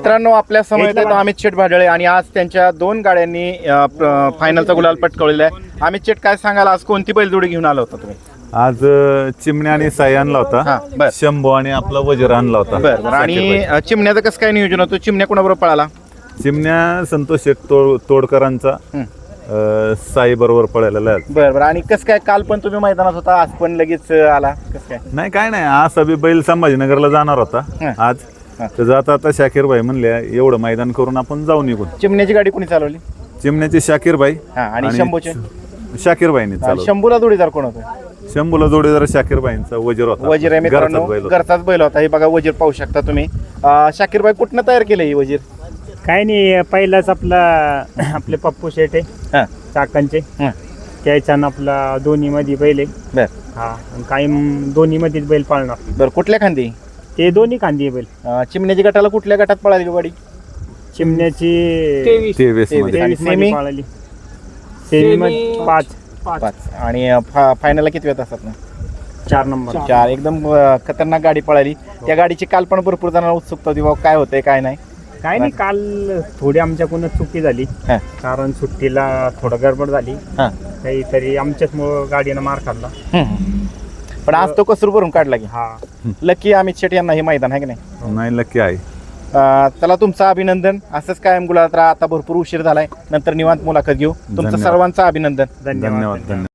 मित्रांनो, आपल्या समोर आहेत अमित शेठ भाडळे आणि आज त्यांच्या 2 गाड्यांनी फायनलचा गुलाल पटकावलेला आहे. अमित शेठ, काय सांगाल, आज कोणती बैलजोडी घेऊन आला होता तुम्ही? आज चिमण्या आणि साई आणला होता, शंभू आणि आपला वजीर आणला होता. बरं. आणि चिमण्याचं कसं काय नियोजन होतं? चिमण्या कोणाबरोबर पळाला? चिमण्या संतोष शेठ तोडकरांचा साई बरोबर पळालेला आहे. बरं. आणि कसं काय, काल पण तुम्ही मैदानात होता, आज पण लगेच आला, कसं काय? नाही, काय नाही, आज बी बैल संभाजीनगरला जाणार होता आज. तर जाता आता शाकीर भाई म्हणले एवढं मैदान करून आपण जाऊ निघून. चिमण्याची गाडी कोणी चालवली? चिमण्याची शाकीर भाई आणि शंभूचे शाकीर भाईने चालवली. शंभूला जोडीदार कोण होता? शंभूला जोडीदार शाकीर भाईंचा वजीर होता. वजीर आहे मित्रांनो, घरचाच बैल होता. हे बघा, वजीर पाहू शकता तुम्ही. शाकीर भाई कुठनं तयार केलं ही वजीर? काय नाही, पहिलाच आपले पप्पू शेट आहे चाकांचे, त्याच्यानं आपला दोन्ही मध्ये बैल आहे. बर. हा, काही दोन्ही मध्येच बैल पाळणार. बरं. कुठल्या खांदी? ते दोन्ही खांदी आहे बैल. चिमण्याची गटाला कुठल्या गटात पळाली गाडी? चिमण्याची 23 सेमी? पाळली. सेमी 5 आणि फायनलला किती वेळ असतात ना? 4 नंबर. 4. एकदम खतरनाक गाडी पळाली. त्या गाडीची काल पण भरपूर जणांना उत्सुकता होती, बाबा काय होतंय काय नाही. काय नाही, काल थोडी आमच्याकडून चुकी झाली, कारण सुट्टीला थोडं गडबड झाली काहीतरी, आमच्याचमुळं गाडीनं मार खाल्ला. पण आज तो कसर भरून काढला की. हा, लकी अमित शेठ यांना हे मैदान आहे की नाही? नाही, लकी आहे. त्याला तुमचं अभिनंदन. असंच कायम गुलाल. आता भरपूर उशीर झालाय, नंतर निवांत मुलाखत घेऊ. तुमचं सर्वांचं अभिनंदन. धन्यवाद.